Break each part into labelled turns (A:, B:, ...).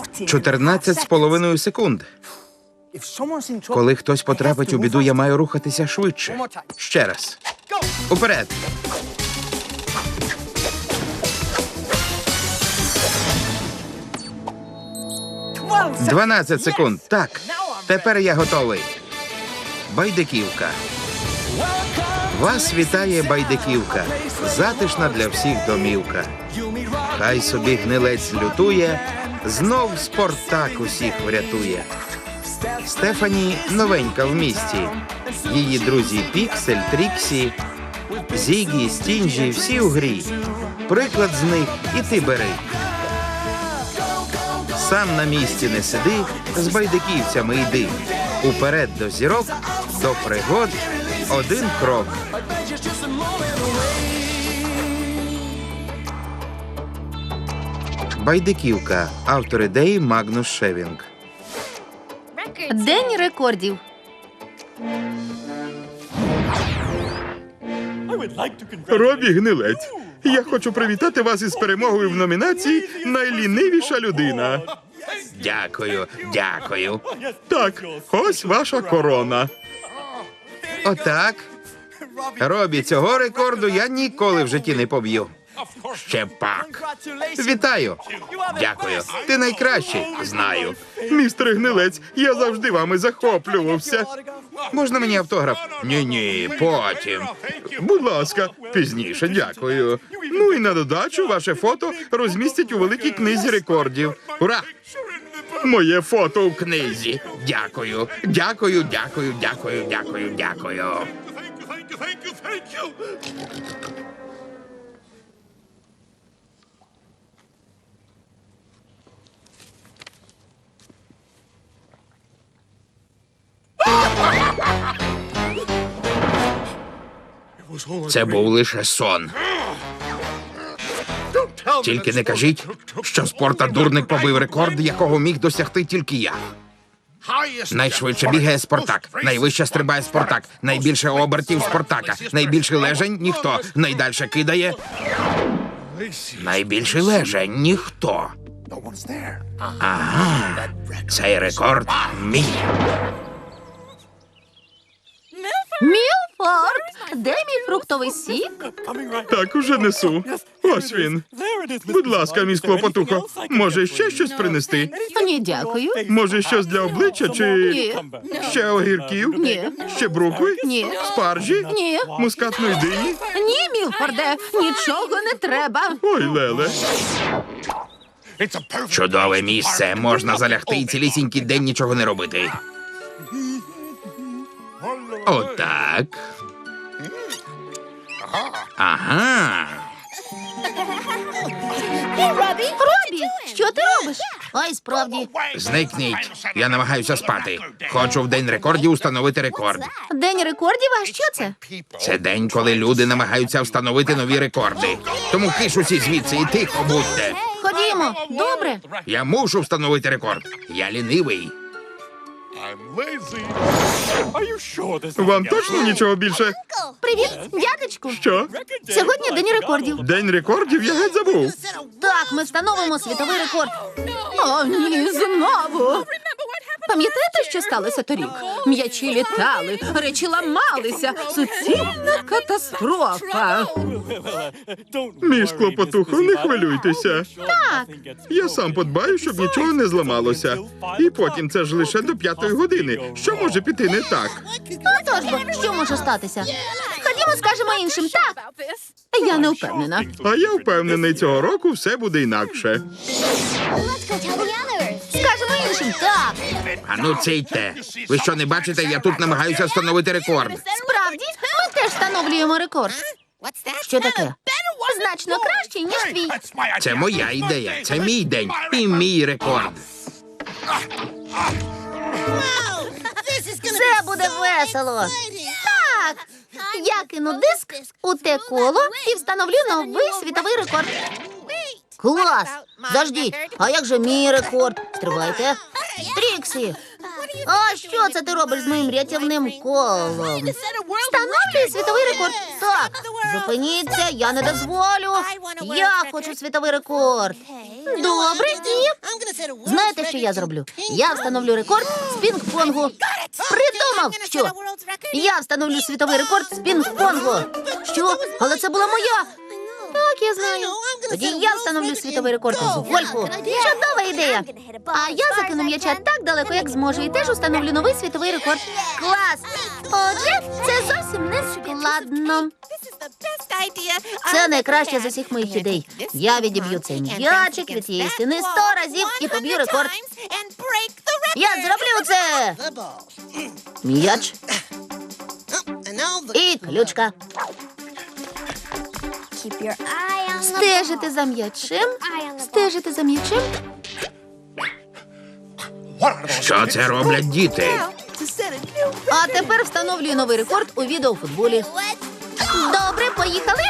A: 14,5 секунд. Коли хтось потрапить у біду, я маю рухатися швидше. Ще раз. Уперед. – 12 секунд. Так. Тепер я готовий. Байдиківка. Вас вітає Байдиківка. Затишна для всіх домівка. Хай собі гнилець лютує, знов Спартак усіх врятує. Стефані новенька в місті. Її друзі Піксель, Тріксі, Зігі, Стінджі – всі у грі. Приклад з них і ти бери. Сам на місці не сиди, з байдиківцями йди. Уперед до зірок, до пригод один крок. Байдиківка. Автор ідеї Магнус Шевінг.
B: День рекордів.
C: Робі Гнилець, я хочу привітати вас із перемогою в номінації «Найлінивіша людина».
A: Дякую, дякую.
C: Так, ось ваша корона.
A: Отак. Робі, цього рекорду я ніколи в житті не поб'ю. Ще пак. Вітаю. Дякую. Ти найкращий. Знаю.
C: Містер Гнилець, я завжди вами захоплювався.
A: Можна мені автограф? Ні, потім.
C: Будь ласка, пізніше, дякую. Ну і на додачу ваше фото розмістять у великій книзі рекордів.
A: Ура!
C: Моє фото в
A: Книзі. Дякую. Дякую, дякую, дякую, дякую, дякую. Це був лише сон. Тільки не кажіть, що Спорта-дурник побив рекорд, якого міг досягти тільки я. Найшвидше бігає Спартак, найвище стрибає Спартак, найбільше обертів Спартака, найбільший лежень – ніхто, найдальше кидає – найбільший лежень – ніхто. Ага, цей рекорд мій.
B: Мілфорд! Де мій фруктовий сік?
C: Так, уже несу. Ось він. Будь ласка, мій Клопотухо, може ще щось принести?
B: Ні, дякую.
C: Може щось для обличчя чи
B: Ні.
C: ще огірків?
B: Ні.
C: Ще брукви?
B: Ні.
C: Спаржі?
B: Ні.
C: Мускатної дині?
B: Ні, Мілфорде, нічого не треба.
C: Ой, Леле.
A: Чудове місце, можна залягти і цілісінький день нічого не робити. Отак. Ага.
B: Робі, що ти робиш? Ой, справді.
A: Зникніть. Я намагаюся спати. Хочу в день рекордів установити рекорд.
B: День рекордів? А що це?
A: Це день, коли люди намагаються встановити нові рекорди. Тому киш усі звідси і тихо будьте.
B: Ходімо. Добре.
A: Я мушу встановити рекорд. Я лінивий.
C: Вам точно нічого більше?
B: Привіт, дядечку.
C: Що?
B: Сьогодні день рекордів.
C: День рекордів? Я геть забув.
B: Так, ми встановимо світовий рекорд. О, ні, знову. Пам'ятаєте, що сталося торік? М'ячі літали, речі ламалися. Суцільна катастрофа.
C: Мій Клопотухо, не хвилюйтеся.
B: Так.
C: Я сам подбаю, щоб нічого не зламалося. І потім це ж лише до 5-ї години. Що може піти не так?
B: Отож бо, що може статися? Ходімо, скажемо іншим. Так. Я не впевнена.
C: А я впевнений, цього року все буде інакше.
B: Скажемо іншим. Так.
A: Ану, ційте. Ви що, не бачите? Я тут намагаюся встановити рекорд.
B: Справді, ми теж встановлюємо рекорд. Що таке? Значно кращий, ніж твій.
A: Це моя ідея. Це мій день і мій рекорд.
B: Це буде весело. Так. Я кину диск у те коло і встановлю новий світовий рекорд. Клас! Заждіть, а як же мій рекорд? Стривайте. Тріксі, А що це ти робиш з моїм рятівним колом? Встановлюй світовий рекорд. Так, зупиніться, я не дозволю. Я хочу світовий рекорд. Добре, і... Знаєте, що я зроблю? Я встановлю рекорд з пінг-понгу. Придумав, що? Я встановлю світовий рекорд з пінг-понгу. Що? Але це була моя. Так, я знаю. Тоді я встановлю світовий рекорд з гольфу. Чудова ідея. А я закину м'яча так далеко, як зможу, і теж установлю новий світовий рекорд. Клас! Отже, це зовсім не складно. Це найкраще з усіх моїх ідей. Я відіб'ю цей м'ячик від цієї стіни 100 разів і поб'ю рекорд. Я зроблю це! М'яч і ключка. Стежити за м'ячем. Стежити за м'ячем.
A: Що це роблять діти?
B: А тепер встановлюю новий рекорд у відеофутболі. Добре, поїхали.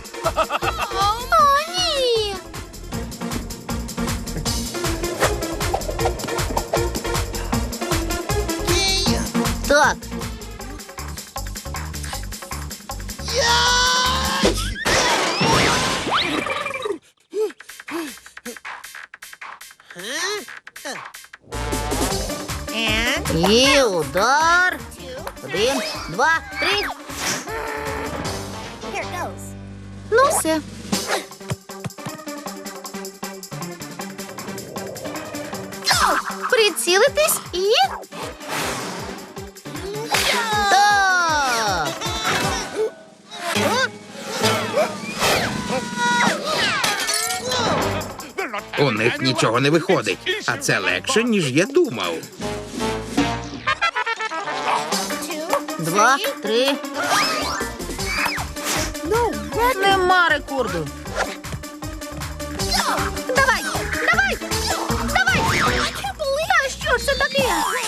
B: О, ні. Так. І удар. 1, 2, 3. Ну, все. Прицілитись і... Так.
A: У них нічого не виходить, а це легше, ніж я думав.
B: 2, 3. Нема рекорду. Давай, давай, давай. Та що ж це таке?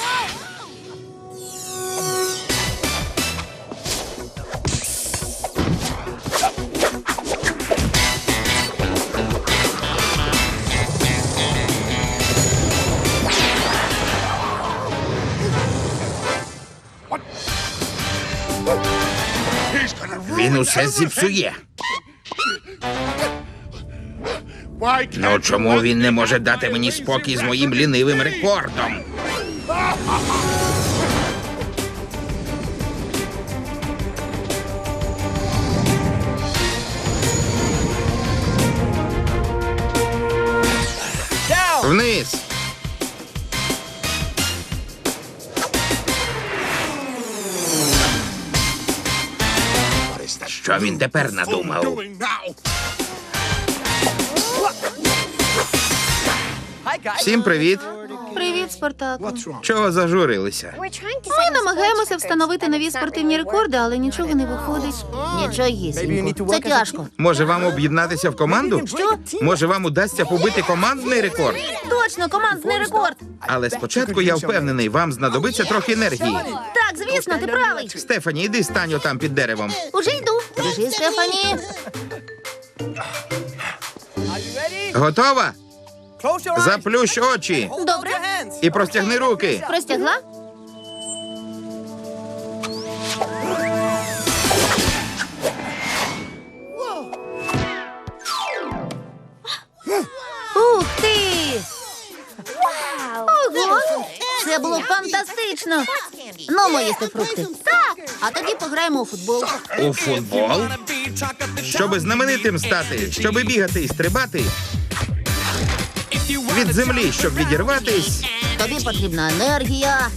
A: Він усе зіпсує. Ну чому він не може дати мені спокій з моїм лінивим рекордом? Вниз! Що він тепер надумав? Всім привіт!
B: Привіт, Спартаку.
A: Чого зажурилися?
B: Ми намагаємося встановити нові спортивні рекорди, але нічого не виходить. Нічогісінько. Це тяжко.
A: Може вам об'єднатися в команду?
B: Що?
A: Може вам удасться побити командний рекорд?
B: Точно, командний рекорд.
A: Але спочатку я впевнений, вам знадобиться трохи енергії.
B: Так, звісно, ти правий.
A: Стефані, іди стань отам під деревом.
B: Уже йду. Біжи, Стефані.
A: Готова? Заплющ очі
B: Добре.
A: і простягни руки.
B: Простягла? Ух ти! Ого! Це було фантастично! Ну, ми їсти фрукти. Так! А тоді пограємо у футбол.
A: У футбол? Щоби знаменитим стати, щоби бігати і стрибати. Від землі, щоб відірватись.
B: Тобі потрібна енергія.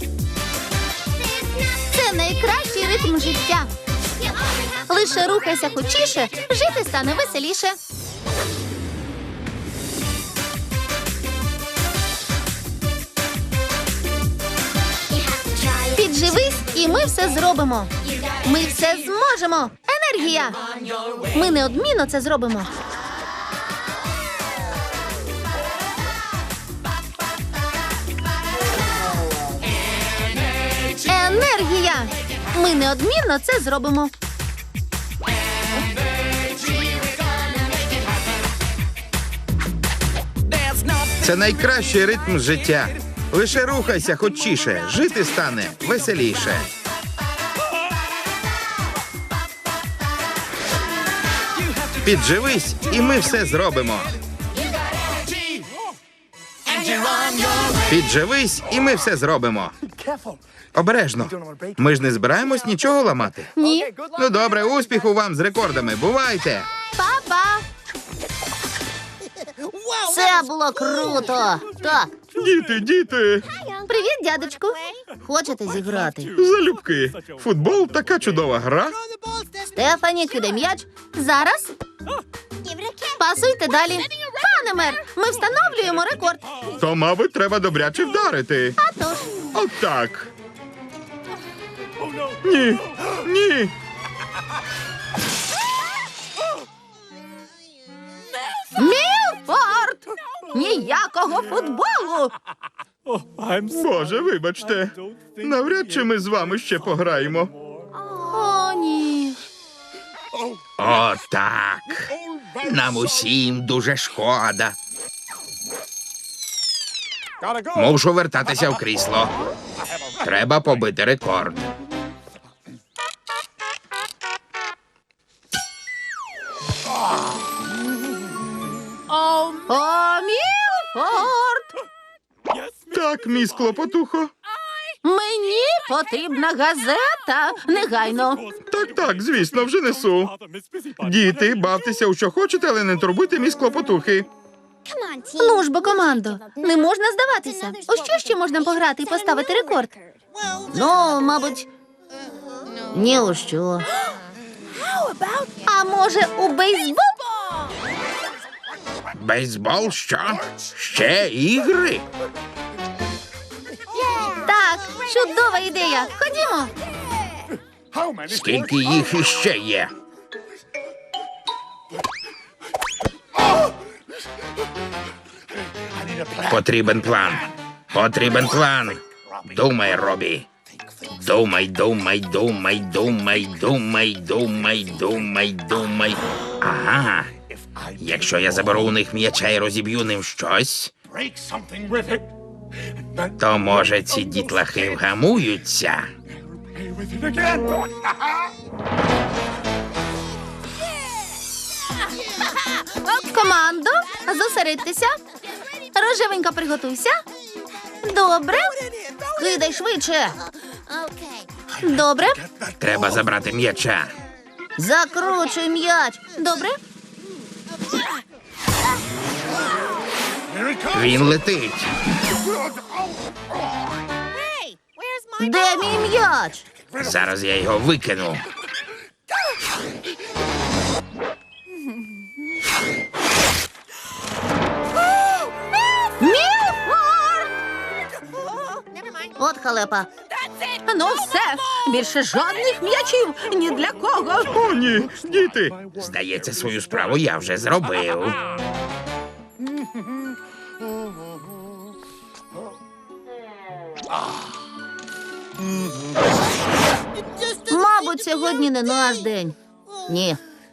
B: Це найкращий ритм життя. Лише рухайся хочіше, жити стане веселіше. Підживись, і ми все зробимо. Ми все зможемо. Енергія. Ми неодмінно це зробимо. Енергія. Ми неодмінно це зробимо.
A: Це найкращий ритм життя. Лише рухайся хочіше, жити стане веселіше. Підживись, і ми все зробимо. Підживись, і ми все зробимо. Обережно. Ми ж не збираємось нічого ламати.
B: Ні.
A: Ну добре, успіху вам з рекордами. Бувайте!
B: Па-па. Це було круто. Так,
C: Діти,
B: привіт, дядечку. Хочете зіграти?
C: залюбки. Футбол така чудова гра.
B: Стефані, кидай м'яч. Зараз. Пасуйте далі. Пане мер, ми встановлюємо рекорд.
C: То, мабуть, треба добряче вдарити.
B: А тож.
C: Отак. Ні, ні.
B: Мілфорд! Ніякого футболу!
C: Боже, вибачте. Навряд чи ми з вами ще пограємо.
B: О, ні.
A: Отак. Нам усім дуже шкода. Мушу вертатися в крісло. Треба побити рекорд.
B: О, Мілфорд!
C: Так, міс Клопотухо.
B: Мені потрібна газета. Негайно.
C: Так, звісно, вже несу. Діти, бавтеся у що хочете, але не турбуйте міс Клопотухи.
B: Ну ж бо, командо, не можна здаватися. У що ще можна пограти і поставити рекорд? Ну, мабуть, ні у що. А може, у бейсбол?
A: Бейсбол що? Ще ігри?
B: Так, чудова ідея. Ходімо.
A: Скільки їх іще є? Потрібен план. Потрібен план. Думай, Робі. Думай. Ага. Якщо я заберу у них м'яча і розіб'ю ним щось, то, може, ці дітлахи вгамуються.
B: Командо, зосередьтеся. Рожевенька, приготуйся. Добре. Кидай швидше. Добре.
A: Треба забрати м'яча.
B: Закручуй м'яч. Добре.
A: Він летить.
B: Де мій м'яч?
A: Зараз я його викину.
B: Мілфорд! От халепа. Ну все, більше жодних м'ячів ні для кого.
C: О, ні, діти.
A: Здається, свою справу я вже зробив.
B: Мабуть, сьогодні не наш день. Ні.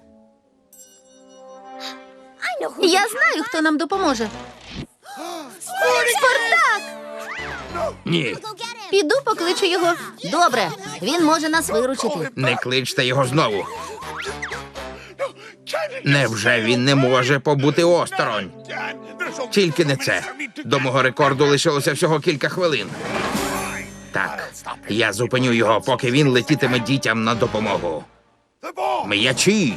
B: Я знаю, хто нам допоможе. Спартак!
A: Ні,
B: Піду покличу його. Добре, він може нас виручити.
A: не кличте його знову. Невже він не може побути осторонь? Тільки не це. До мого рекорду лишилося всього кілька хвилин. Так, я зупиню його, поки він летітиме дітям на допомогу. М'ячі!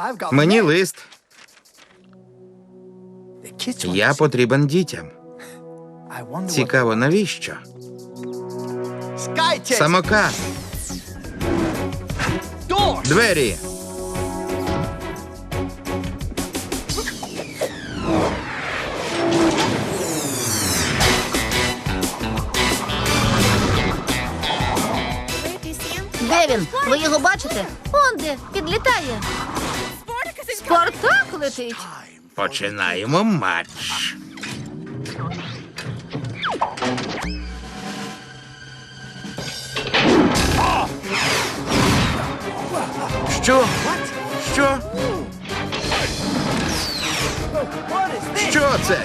A: Мені лист. Я потрібен дітям. Цікаво, навіщо? Самокат. Двері.
B: Де він? Ви його бачите? Он де, підлітає. Спартак летить.
A: Починаємо матч. Що? Що? Що це?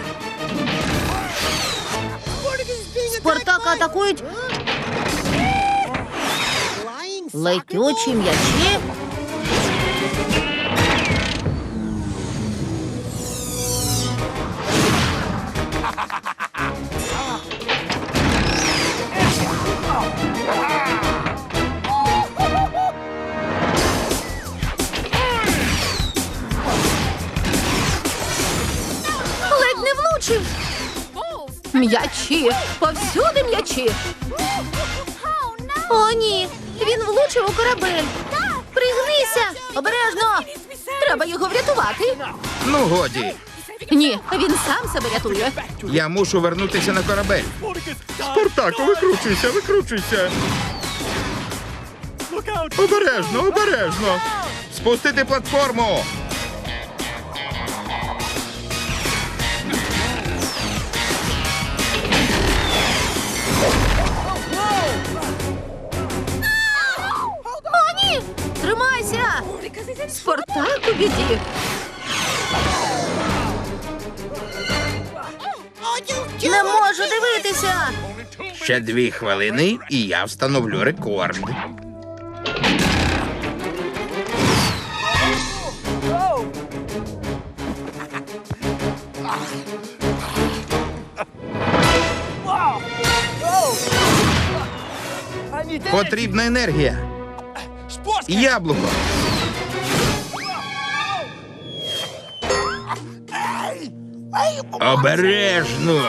B: Спартака атакують летючі м'ячі. Ледь не влучив. М'ячі, повсюди м'ячі. О, ні, він влучив у корабель. Пригнися, обережно. Треба його врятувати.
A: Ну, годі.
B: Ні, він сам себе рятує.
A: Я мушу вернутися на корабель.
C: Спартаку, викручуйся, викручуйся. Обережно, обережно.
A: Спустити платформу.
B: О, ні! Тримайся! Спартак у біді. Не можу дивитися.
A: Ще 2 хвилини, і я встановлю рекорд. Потрібна енергія. Яблуко. Обережно.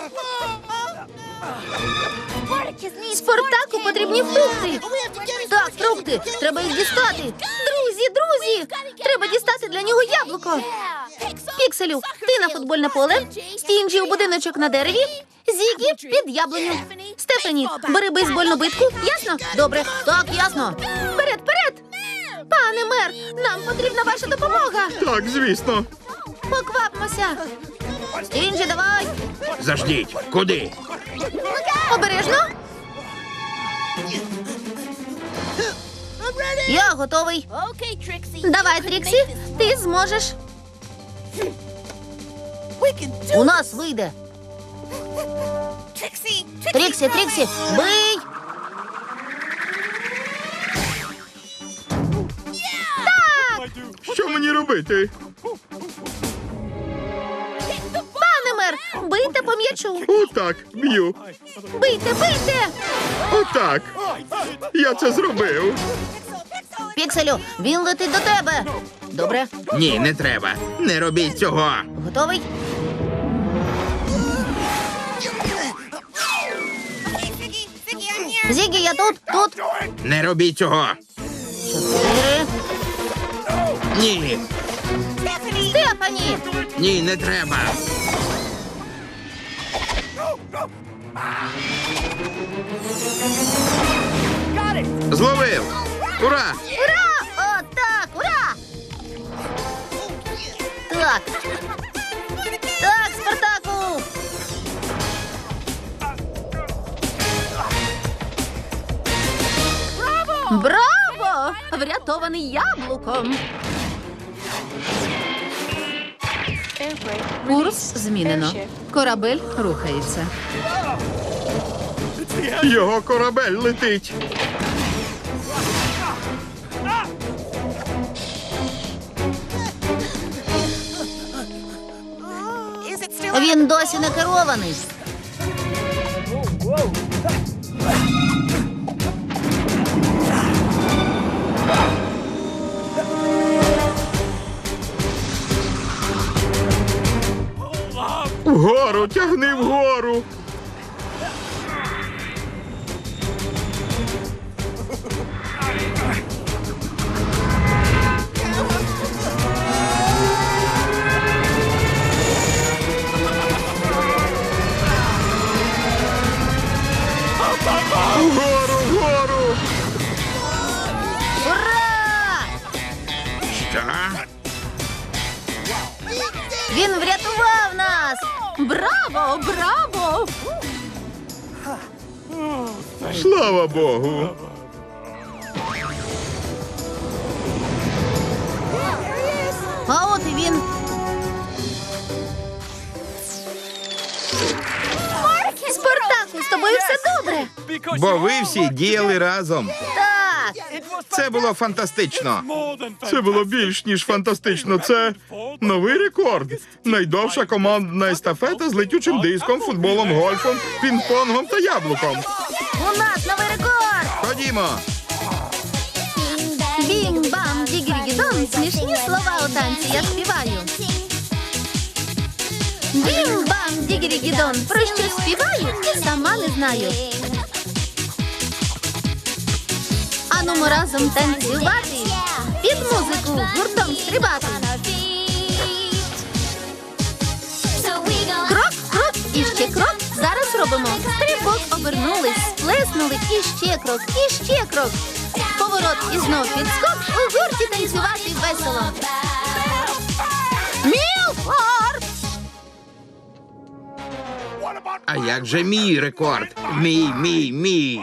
B: Спартаку потрібні фрукти. Так, фрукти. Треба їх дістати. Друзі! Треба дістати для нього яблуко. Пікселю, ти на футбольне поле, Стінджі у будиночок на дереві, Зігі під яблуню. Стефані, бери бейсбольну битку. Ясно? Добре. Так, ясно. Вперед! Пане мер, нам потрібна ваша допомога.
C: Так, звісно.
B: Поквапмося. Стінджі, давай.
A: Заждіть. Куди?
B: Обережно. Я готовий. Давай, Тріксі, ти зможеш. У нас вийде. Тріксі, бий!
C: Що мені робити?
B: Пане мер, бийте по м'ячу.
C: Отак, б'ю.
B: Бийте!
C: Отак. Я це зробив.
B: Пікселю, він летить до тебе. Добре,
A: Ні, не треба. Не робіть цього.
B: готовий? Зігі, я тут.
A: Не робіть цього.
B: 4.
A: Ні.
B: Стефані!
A: Ні, не треба. Зловив. Ура!
B: Ура! О, так, ура! Так. Так, Спартаку! Браво! Врятований яблуком. Курс змінено. Корабель рухається.
C: Його корабель летить.
B: Він досі не керований.
C: Потягни вгору. Вгору, вгору.
B: Ура!
A: Що?
B: Він врятував нас! Браво! Браво!
C: Слава Богу.
B: А от і він. Спартаку, з тобою все добре?
A: Бо ви всі діяли разом.
B: Так.
A: Це було фантастично.
C: Це було більш ніж фантастично. Це новий рекорд. Найдовша командна естафета з летючим диском, футболом, гольфом, пінг-понгом та яблуком.
B: У нас новий рекорд!
A: Ходімо.
B: Бім-бам, дігіргідон, смішні слова у танці я співаю. Бім-бам, дігіргідон, про що співаю і сама не знаю. Ану ми разом танцювати, під музику гуртом стрибати. Крок, крок і ще крок. Зараз робимо стрибок, обернулись, сплеснули і ще крок, і ще крок. Поворот і знов підскок, у гурті танцювати весело. Мілфорд!
A: А як же мій рекорд? Мій.